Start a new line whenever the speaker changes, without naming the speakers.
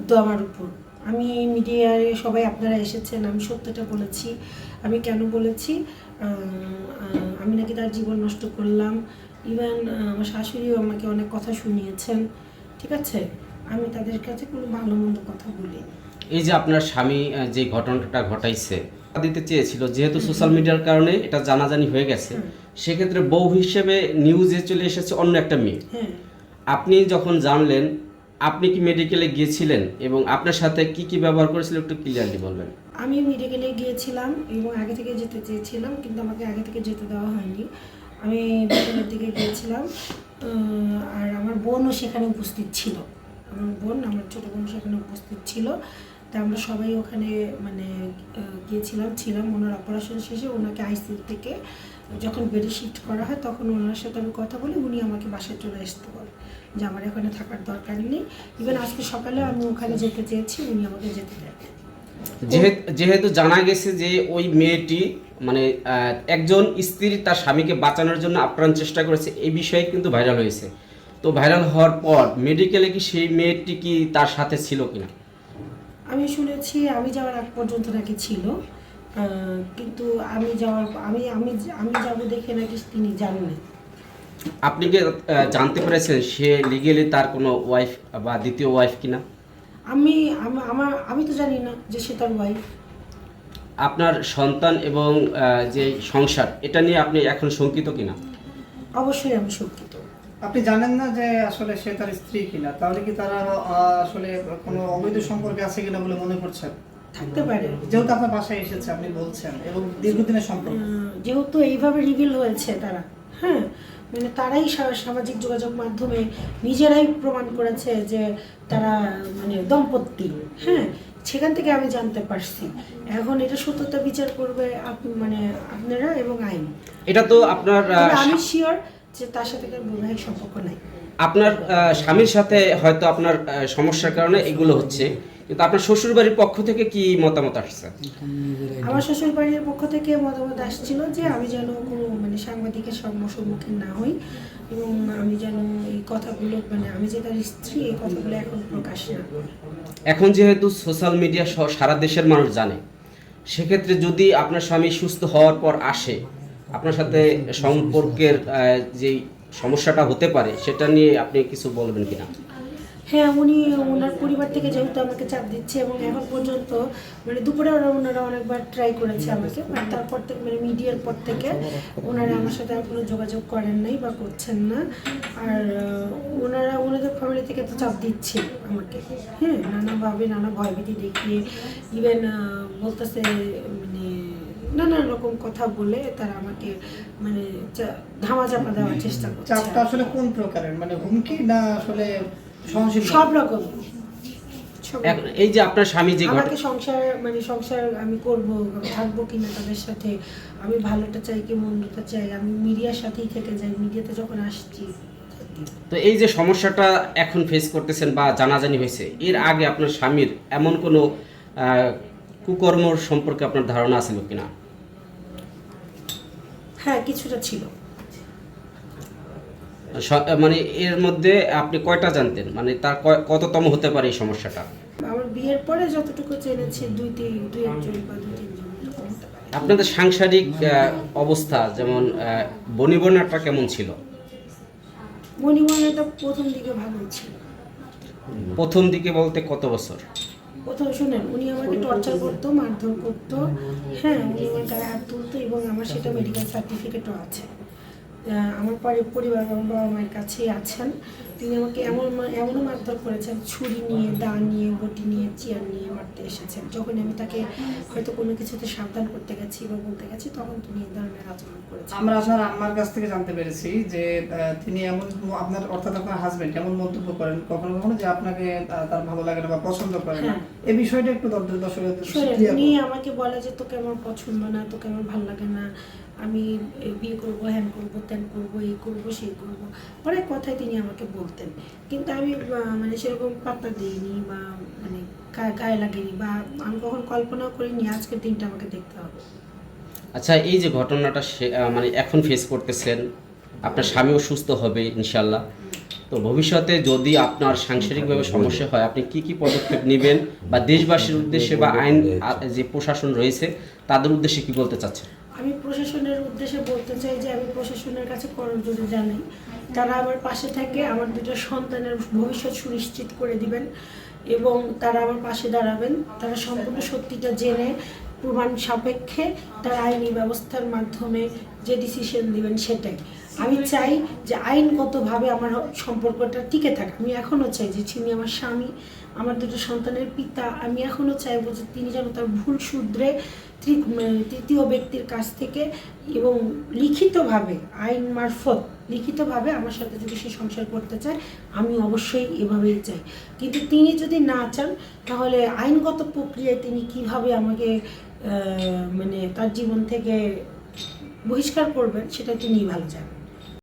ক্ষুব্ধ আমার উপর। আমি মিডিয়ায় সবাই আপনারা এসেছেন, আমি সত্যটা বলেছি। আমি কেন বলেছি, আমি নাকি তার জীবন নষ্ট করলাম। ইভেন আমার শাশুড়িও আমাকে অনেক কথা শুনিয়েছেন। ঠিক আছে, আমি তাদের কাছে কোনো ভালো মন্দ কথা বলিনি।
এই যে আপনার স্বামী যে ঘটনাটা ঘটাইছে দিতে চেয়েছিল, যেহেতু সোশ্যাল মিডিয়ার কারণে এটা জানাজানি হয়ে গেছে, সেক্ষেত্রে বউ হিসেবে নিউজে চলে এসেছে অন্য একটা মেয়ে।
হ্যাঁ,
আপনি যখন জানলেন, আপনি কি মেডিকেলে গিয়েছিলেন এবং আপনার সাথে কি কি ব্যবহার করেছিল একটু ক্লিয়ারলি বলবেন।
আমি মেডিকেলে গিয়েছিলাম এবং আগে থেকে যেতে চেয়েছিলাম, কিন্তু আমাকে আগে থেকে যেতে দেওয়া হয়নি। আমি বিকেলের দিকে গিয়েছিলাম, আর আমার বোনও সেখানে উপস্থিত ছিল। আমার ছোটো বোন সেখানে উপস্থিত ছিল। তা আমরা সবাই ওখানে মানে ছিলাম। ওনার অপারেশন শেষে ওনাকে আইসিইউ থেকে যখন বেডে শিফট করা হয়, তখন ওনার সাথে আমি কথা বলি, উনি আমাকে বাসায় চলে আসতে বলে যে আমার এখানে থাকার দরকার নেই। ইভেন আজকে সকালে আমি ওখানে যেতে চেয়েছি, উনি আমাকে যেতে দেন।
যেহেতু জানা গেছে যে ওই মেয়েটি মানে একজন স্ত্রী তার স্বামীকে বাঁচানোর জন্য আপ্রাণ চেষ্টা করেছে, এই বিষয়ে কিন্তু ভাইরাল হয়েছে। তো ভাইরাল হওয়ার পর মেডিকেলে কি সেই মেয়েটি কি তার সাথে ছিল কিনা?
আমি শুনেছি আমি যাওয়ার আগ পর্যন্ত নাকি ছিল, কিন্তু আমি যাওয়ার আমি আমি আমি যাবো দেখে নাকি তিনি জানেন।
আপনি কি জানতে পেরেছেন সে লিগেলি তার কোনো ওয়াইফ বা দ্বিতীয় ওয়াইফ কিনা?
আমি আমি তো জানি না যে সে তার ওয়াইফ।
আপনার সন্তান এবং যে সংসার, এটা নিয়ে আপনি এখন শঙ্কিত কিনা?
অবশ্যই আমি শঙ্কিত।
আপনি জানেন না যে আসলে সে তার স্ত্রী কিনা, তাহলে কি তারা আসলে কোনো অবৈধ সম্পর্কে আছে কিনা বলে মনে করছেন?
থাকতে পারে,
যেহেতু আপনার বাসায় এসেছে আপনি বলছেন, এবং দীর্ঘদিনের সম্পর্ক,
যেহেতু এইভাবে রিভিল হয়েছে তারা, হ্যাঁ, মানে তারাই সামাজিক যোগাযোগ মাধ্যমে নিজেরাই প্রমাণ করেছে যে তারা মানে দম্পতি, হ্যাঁ, সেখান থেকে আমি জানতে পারছি। এখন এটা সত্যতা বিচার করবে মানে আপনারা এবং আইন।
এটা তো আপনার
তবে আমি শিওর যে তার সাথে তার বৈবাহিক সম্পর্ক নাই।
আপনার স্বামীর সাথে হয়তো আপনার সমস্যার কারণে এগুলো হচ্ছে, কিন্তু আপনার শ্বশুরবাড়ির পক্ষ থেকে কি মতামত আসছে?
আমার শ্বশুর বাড়ির পক্ষ থেকে মতামত আসছিল যে আমি যেন কোনো মানে সাংবাদিকের সম্মুখীন না হই, এবং আমি যেন এই কথাগুলো মানে আমি যে তার স্ত্রী, এই কথাগুলো এখন প্রকাশ না করি।
এখন যেহেতু সোশ্যাল মিডিয়া সহ সারা দেশের মানুষ জানে, সেক্ষেত্রে যদি আপনার স্বামী সুস্থ হওয়ার পর আসে, আপনার সাথে সম্পর্কের যেই সমস্যাটা হতে পারে সেটা নিয়ে আপনি কিছু বলবেন কিনা?
হ্যাঁ, ওনার পরিবার থেকে যেহেতু আমাকে চাপ দিচ্ছে, এবং এখন পর্যন্ত মানে দুপুরে ওনারা অনেকবার ট্রাই করেছে আমাকে, বাট তারপর থেকে মানে মিডিয়ার পর থেকে ওনারা আমার সাথে আর কোনো যোগাযোগ করেন নাই বা করছেন না। আর ওনাদের ফ্যামিলি থেকে তো চাপ দিচ্ছে আমাকে, হ্যাঁ, নানাভাবে নানা ভয়ভীতি দেখিয়ে, ইভেন বলতেছে মানে নানান রকম কথা বলে তারা আমাকে মানে ধামাচাপা দেওয়ার চেষ্টা করছে।
চাপটা আসলে কোন প্রকারের, মানে হুমকি না আসলে সহনশীল?
সব রকম।
এই যে আপনার স্বামী যে
আমাকে সংসার আমি করব, থাকবো কিনা তাদের সাথে, আমি ভালোটা চাই কি মন্দটা চাই, আমি মিডিয়ার সাথেই থেকে যাই, মিডিয়াতে যখন আসছি।
তো এই যে সমস্যাটা এখন ফেস করতেছেন বা জানাজানি হয়েছে, এর আগে আপনার স্বামীর এমন কোনো কুকর্ম সম্পর্কে আপনার ধারণা আছে কিনা?
হ্যাঁ, কিছুটা ছিল।
মানে এর মধ্যে আপনি কয়টা জানতেন, মানে তার কততম হতে পারে এই সমস্যাটা?
আমার বিয়ের পরে যতটুকু জেনেছি দুই একজন বা দুই তিনজন এরকম হতে পারে।
আপনাদের সাংসারিক অবস্থা যেমন বনিবনাটা কেমন ছিল?
মনিময়টা প্রথম দিকে ভালো ছিল।
প্রথম দিকে বলতে কত বছর?
প্রথম শুনেন, উনি আমাকে টর্চার করতো, মারধর করতো, হ্যাঁ, উনি আমার গায়ে হাত তুলতো, এবং আমার সেটা মেডিকেল সার্টিফিকেটও আছে। আমার পরিবার আমার বাবা মায়ের কাছেই আছেন। তিনি আমাকে এমনও মারধর করেছেন, ছুরি নিয়ে, দা নিয়ে, বটি নিয়ে, চেয়ার নিয়ে মারতে এসেছেন। যখন আমি তাকে হয়তো কোনো কিছুতে সাবধান করতে গেছি বা বলতে গেছি, তখন তিনি এই ধরনের আচরণ করেছেন।
আমরা আপনার আম্মার কাছ থেকে জানতে পেরেছি যে তিনি এমন, আপনার অর্থাৎ আপনার হাজবেন্ড এমন মন্তব্য করেন কখনো কখনো যে আপনাকে তার ভালো লাগে না বা পছন্দ করে না। এই বিষয়টা একটু দর্শকদের
উনি আমাকে বলে যে তোকে আমার পছন্দ না, তোকে আমার ভালো লাগে না, আমি বিয়ে করবো, হ্যান করবো, ত্যান করবো, এই করবো, সেই করবো, অনেক কথাই তিনি আমাকে বলতেন। কিন্তু আমি মানে সেরকম পাত্তা দিইনি বা মানে গায়ে লাগেনি, বা আমি কখন কল্পনাও করিনি আজকের দিনটা আমাকে দেখতে হবে।
আচ্ছা, এই যে ঘটনাটা মানে এখন ফেস করতেছেন, আপনার স্বামীও সুস্থ হবে ইনশাল্লাহ, তো ভবিষ্যতে যদি আপনার সাংসারিকভাবে সমস্যা হয় আপনি কি কি পদক্ষেপ নেবেন বা দেশবাসীর উদ্দেশ্যে বা আইন যে প্রশাসন রয়েছে তাদের উদ্দেশ্যে কি বলতে চাচ্ছেন?
আমি প্রশাসনের উদ্দেশ্যে বলতে চাই যে আমি প্রশাসনের কাছে করজোড়ে জানাই তারা আমার পাশে থেকে আমার দুটো সন্তানের ভবিষ্যৎ সুনিশ্চিত করে দিবেন এবং তারা আমার পাশে দাঁড়াবেন। তারা সম্পূর্ণ সত্যিটা জেনে প্রমাণ সাপেক্ষে তার আইনি ব্যবস্থার মাধ্যমে যে ডিসিশন দিবেন সেটাই। আমি চাই যে আইনগতভাবে আমার সম্পর্কটা টিকে থাকে। আমি এখনও চাই যে তিনি আমার স্বামী, আমার দুটো সন্তানের পিতা। আমি এখনও চাইবো যে তিনি যেন তার ভুল শুধরে তৃতীয় ব্যক্তির কাছ থেকে এবং লিখিতভাবে আইন মারফত লিখিতভাবে আমার সাথে যদি সে সংসার করতে চায় আমি অবশ্যই এভাবেই চাই। কিন্তু তিনি যদি না চান তাহলে আইনগত প্রক্রিয়ায় তিনি কিভাবে আমাকে মানে তার জীবন থেকে বহিষ্কার করবেন সেটা তিনিই ভালো জানেন।